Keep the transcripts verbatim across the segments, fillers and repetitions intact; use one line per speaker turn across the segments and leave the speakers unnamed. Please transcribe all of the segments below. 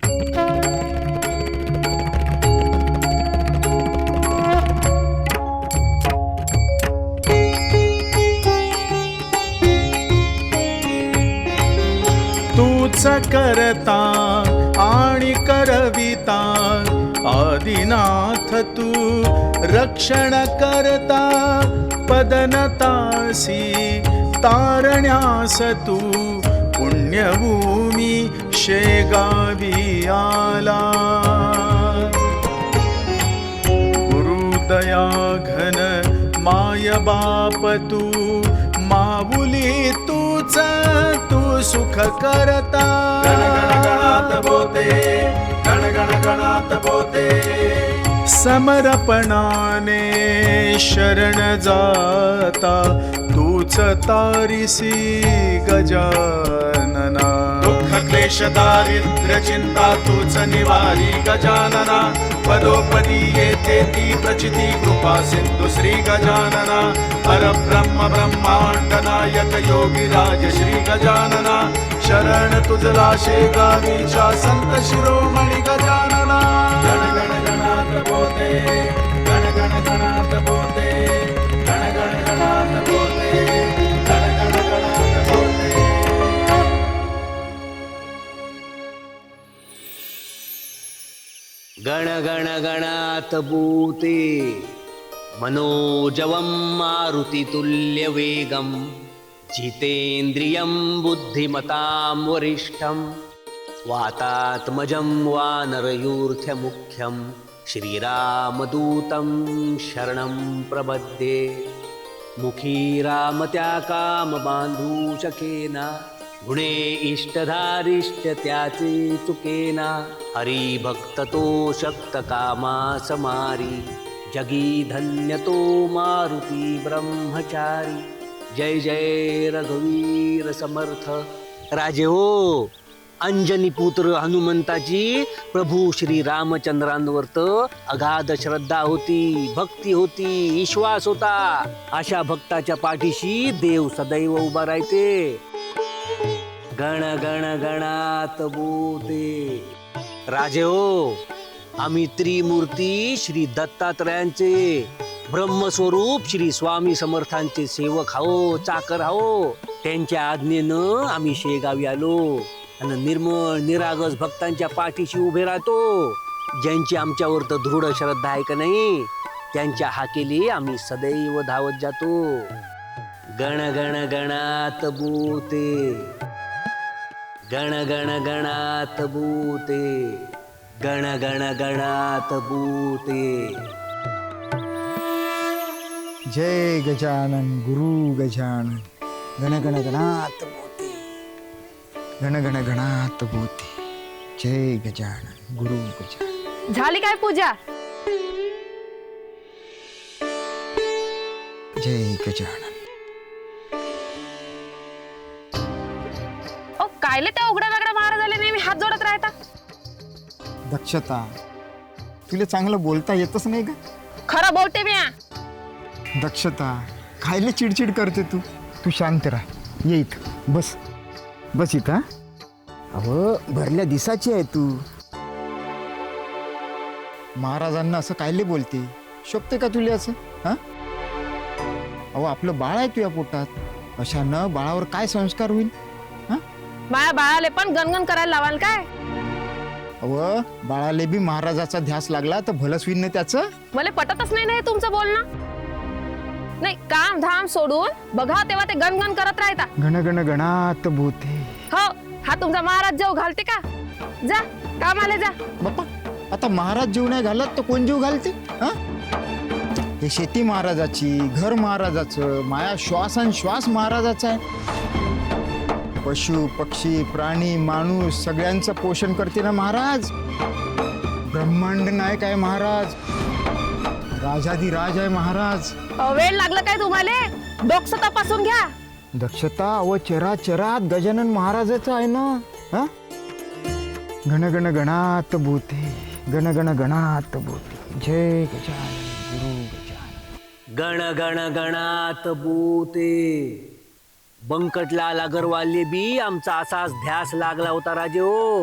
तूच करता आणि करविता आदिनाथ तू रक्षण करता पदनतासी तारण्यास तू पुण्यभूमी शेगावी आला गुरुदया घन माय बाप तू माऊली तूच तू सुख करता गण गण गणात बोते गण गण गणात बोते समर्पणाने शरण जाता तूच तारिसी गजानना दुःख क्लेश दारिद्र्य चिंता तूच निवारी गजानना पदोपदी येते ती प्रचिती कृपा सिंधु श्री गजानना परब्रह्म ब्रह्मांड नायक योगी राज श्री गजानना शरण तुझला शेगावीच्या संत शिरोमणी गजानना गण गण गणात बोते गण गण गणात बोते गण गण गणात बोते गण गण गणात बोते.
गण गण गणात भूते मनोजवं मारुतितुल्य वेगं जितेन्द्रियं बुद्धिमतां वरिष्ठं वातात्मजं वानरयूर्थमुख्यं श्रीरामदूतं शरणं प्रपद्ये मुखी रामत्या कामबान्धूशकेना गुणे इष्टधारिष्ट त्याचे चुकेना हरिभक्त तो शक्त कामा समारी जगी धन्य तो मारुती ब्रह्मचारी जय जय रघुवीर समर्थ. राजे हो, अंजनी पुत्र हनुमंताची प्रभू श्री रामचंद्रांवर अगाध श्रद्धा होती, भक्ती होती, विश्वास होता. अशा भक्ताच्या पाठीशी देव सदैव उभा राहते. गण गण गणात बोते. राजे हो, आम्ही त्रिमूर्ती श्री दत्तात्रयांचे ब्रह्मस्वरूप श्री स्वामी समर्थांचे सेवक आहो, चाकर आहो. त्यांच्या आज्ञेनं आम्ही शेगावी आलो आणि निर्मळ निरागस भक्तांच्या पाठीशी उभे राहतो. ज्यांची आमच्यावर तर दृढ श्रद्धा आहे का नाही, त्यांच्या हाकेली आम्ही सदैव धावत जातो. गण गण गणात बोते गण गण गणात बोते गण गण गणात बोते.
जय गजानन गुरु गजानन गण गण गणात बोते गण गण गणात बोते. जय गजानन गुरु गजानन.
झाली काय पूजा?
जय गजानन.
ओ कायले त्या उघड्या वेगळ्या महाराजाले नेहमी हात जोडत राहता?
दक्षता, तुला चांगलं बोलता येतच नाही का?
खरं बोलते मी.
दक्षता, खायला चिडचिड करते तू. तू शांत राह, ये इथं बस बस इथं. अहो भरल्या दिसाची आहे तू. महाराजांना असं कायले बोलते? शोभते का तुला असं? हा, अहो आपलं बाळ आहे तुझ्या पोटात, अशानं बाळावर काय संस्कार होईल? हा,
माया बाळाले पण गणगण करायला लावाल काय?
अहो बाळाले बी महाराजाचा ध्यास लागला तर भलंच होईल ना त्याचं.
मला पटतच नाही ना हे तुमचं बोलणं. नाही, काम धाम सोडून बघा तेव्हा ते गणगण करत राहता.
गण गण गणात बोते.
हो, हा तुमचा महाराज जेव घालते का? जा कामाला जा.
बाप्पा, आता महाराज जीव नाही घालत तर कोण जीव घालते? हा, हे शेती महाराजाची, घर महाराजाचं, माया श्वास आणि श्वास महाराजाचा आहे. पशु पक्षी प्राणी माणूस सगळ्यांचं पोषण करते ना महाराज. ब्रह्मांड नायक आहे महाराज, राजाधिराज आहे महाराज.
वेळ लागलं काय तुम्हाला? डोकं तपासून घ्या.
दक्षता व चरा चरात गजानन महाराजाचं आहे ना. हा, गण गण गणात बोते गण गण गणात बोते. जय गजानन गुरु गजानन.
गण गण गणात बोते. बंकटलाल अगरवालले बी आमचा असाच ध्यास लागला होता राजे हो.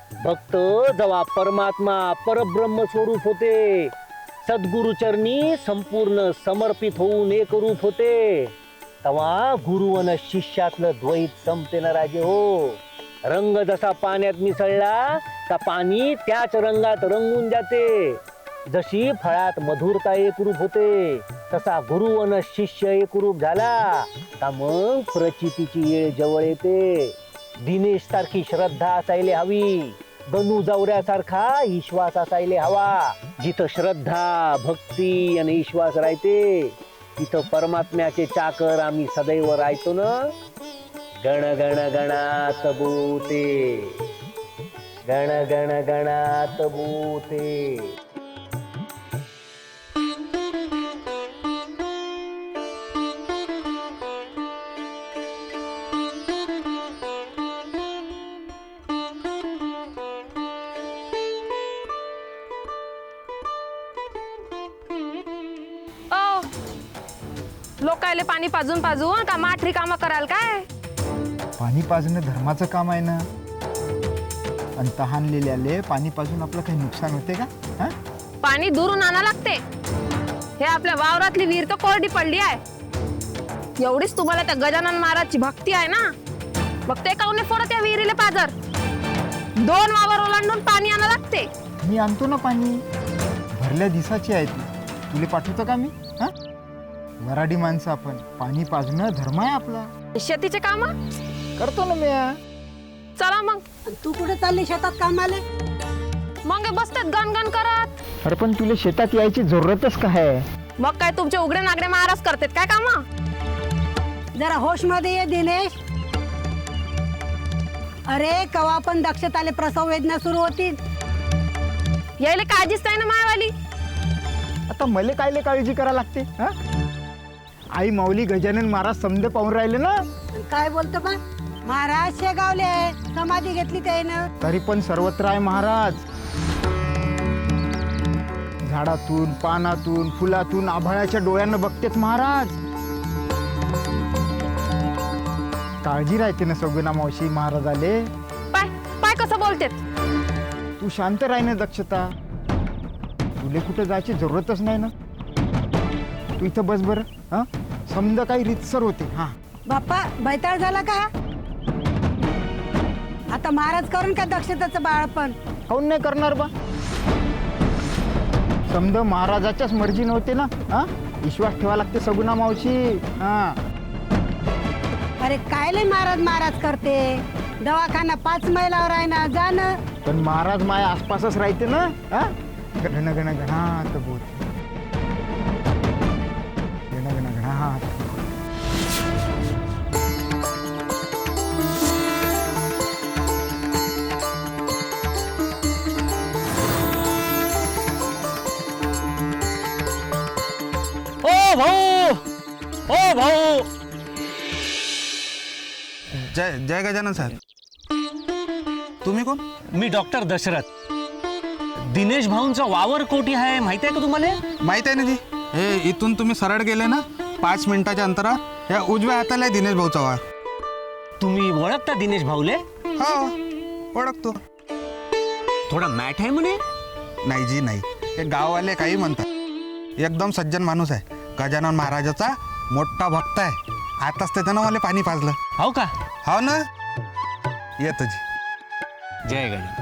भक्त जेव्हा परमात्मा परब्रह्म स्वरूप होते, सद्गुरुचरणी संपूर्ण समर्पित होऊन एक रूप होते, तेव्हा गुरु आणि शिष्यातलं द्वैत संपते ना राजे हो. रंग जसा पाण्यात मिसळला तर पाणी त्याच रंगात रंगून जाते. जशी फळात मधुरता एकरूप होते, तसा गुरु आणि शिष्य एकरूप झाला का मग प्रचितीची वेळ जवळ येते. दिनेश सारखी श्रद्धा असायला हवी, गणू जावऱ्यासारखा विश्वास असायला हवा. जिथं श्रद्धा भक्ती आणि विश्वास राहते तिथं परमात्म्याचे चाकर आम्ही सदैव राहतो ना. गण गण गणात बोते, गण गण गणात बोते.
ओ लोकायले पाणी पाजून पाजून का माठरी कामं कराल काय?
पाणी पाजणं धर्माचं काम आहे ना. आणि तहानलेल्याले पाणी पाजून आपलं काही नुकसान होते का? हा?
पाणी दुरून आणा लागते. हे आपल्या वावरातली विहीर तर कोरडी पडली आहे. एवढीच तुम्हाला त्या गजानन महाराजची भक्ती आहे ना, मग ते काऊन परत या विहिरीला पाजर? दोन वावर ओलांडून पाणी आणा लागते.
मी आणतो ना पाणी, भरल्या दिवसाची आहे ती. तुले पाठवतो का मी? हा? वराडी माणसं आपण, पाणी पाजणं धर्म आहे आपला.
शेतीचे काम
करतो ना मी.
चला मग.
तू कुठे चालली शेतात कामाले?
मग हे बसतात गणगण करत.
अरे पण तुला शेतात यायची जरूरतच काय आहे?
मग काय तुमचे उघडे नागडे महाराज करतात काय काम?
जरा होश मध्ये ये दिनेश. अरे कवा पण दक्षताले प्रसव वेदना सुरू होतील.
यायला काळजीच नाही ना मायावाली.
आता मले कायले काळजी करा लागते? हा? आई माऊली गजानन महाराज समजे पाहून राहिले ना.
काय बोलतो बा? महाराज शेगावले आहे, समाधी घेतली त्यानं.
तरी पण सर्वत्र आहे महाराज. झाडातून पानातून फुलातून आभाळाच्या डोळ्यानं बघतेत महाराज. काळजी राहते ना सगुना मावशी महाराज आले.
पाय पाय कसं बोलतेत.
तू शांत राही ना दक्षता. तुले कुठे जायची जरूरतच नाही ना. तू इथं बस बरं. हा समजा काही रितसर होते. हा
बाप्पा बैताळ झाला का? आता महाराज करून का दक्षताचं बाळपण?
काऊन नाही करणार बा? समजा महाराजाच्याच मर्जी नव्हते ना. हा विश्वास ठेवा लागते सगुना मावशी. हा
अरे कायले महाराज महाराज करते? दवाखाना पाच मैलावर आहे ना, जा ना.
पण महाराज माया आसपासच राहते ना. हा गण गण गणात बोलते, गण गण गणात.
ओ भाऊ, ओ भाऊ.
जय जय गजानन साहेब. तुम्ही कोण?
मी डॉक्टर दशरथ. दिनेश भाऊंचा वावर कोठी आहे माहिती आहे का तुम्हाला?
माहित आहे ना जी. हे इथून तुम्ही सरळ गेले ना पाच मिनिटाच्या अंतरात या उजव्या हाताला आहे दिनेश भाऊचा वावर.
तुम्ही ओळखता दिनेश भाऊले?
हो ओळखतो.
थोडा मॅट आहे म्हणे.
नाही जी नाही, हे गाववाले काही म्हणतात. एकदम सज्जन माणूस आहे. गजानन महाराजाचा मोठा भक्त आहे. आताच ते त्यानं मला पाणी पाजलं.
हो का?
हो ना. येतो जी.
जय गणेश.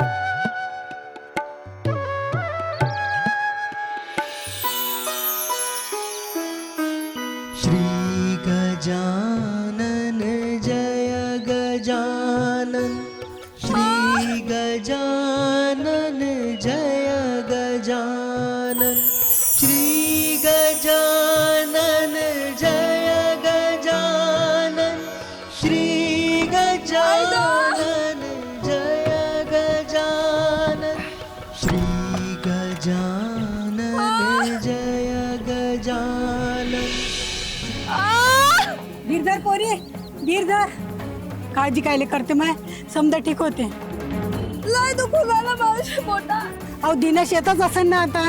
श्री गजानन जय गजानन, श्री गजानन जय गजानन, श्री गजानन जय गजानन, श्री गजानन जय गजानन, श्री गजानन जय गजानन.
गिरधर पोरी, गिरधर. काळजी कायले करते माय? समजा ठीक होते.
लय दुखू झालं माझ्या पोटा.
अहो दिनेश येतच असेल ना आता.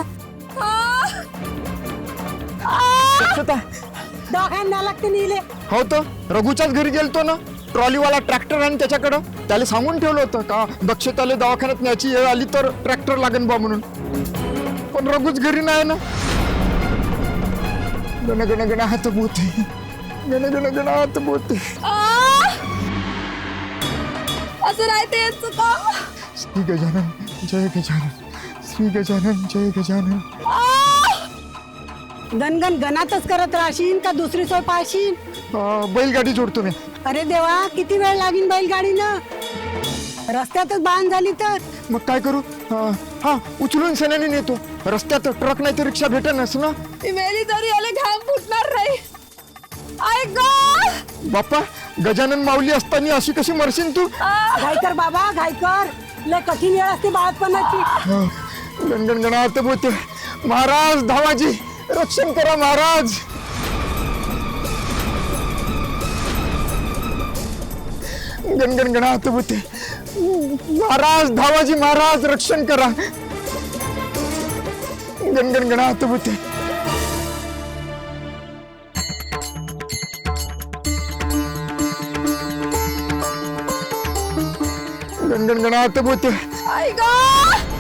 दक्षता
दवाखान्याला लागते नेले.
हो तो रघुच्याच घरी गेलतो ना. ट्रॉलीवाला ट्रॅक्टर आहे ना त्याच्याकडं, त्याला सांगून ठेवलं होतं का दक्षताले दवाखान्यात न्यायची वेळ आली तर ट्रॅक्टर लागेल बा म्हणून. पण रघुच घरी नाही ना. गण गण गण हात बोते, गण गण गण हात बोते.
असं राहते यांचं काम.
श्री गजानन जय गजानन, श्री गजानन जय गजानन.
गणगण गणातच करत राहशील का दुसरी सोय पाहशील?
अं, बैलगाडी जोडतो मी.
अरे देवा, किती वेळ लागीन बैलगाडीनं? रस्त्यातच बांध झाली तर
मग काय करू? अं, हा उचलून सण्याने नेतो. रस्त्यात ट्रक नाही तर रिक्षा भेटेनच ना.
ती मेली तरी याला घाम फुटणार नाही. ऐक
बाप्पा, गजानन माऊली असताना अशी कशी मरशील तू?
घाई कर बाबा, घाई कर. लय कठीण वेळ असते बाळपणाची.
गणगण गणात बोते. महाराज धावाजी रक्षण करा महाराज. गणगण गणात बोते. महाराज धावाजी महाराज रक्षण करा. गणगण गणात बोते. गणगण गणात बोते.
ऐक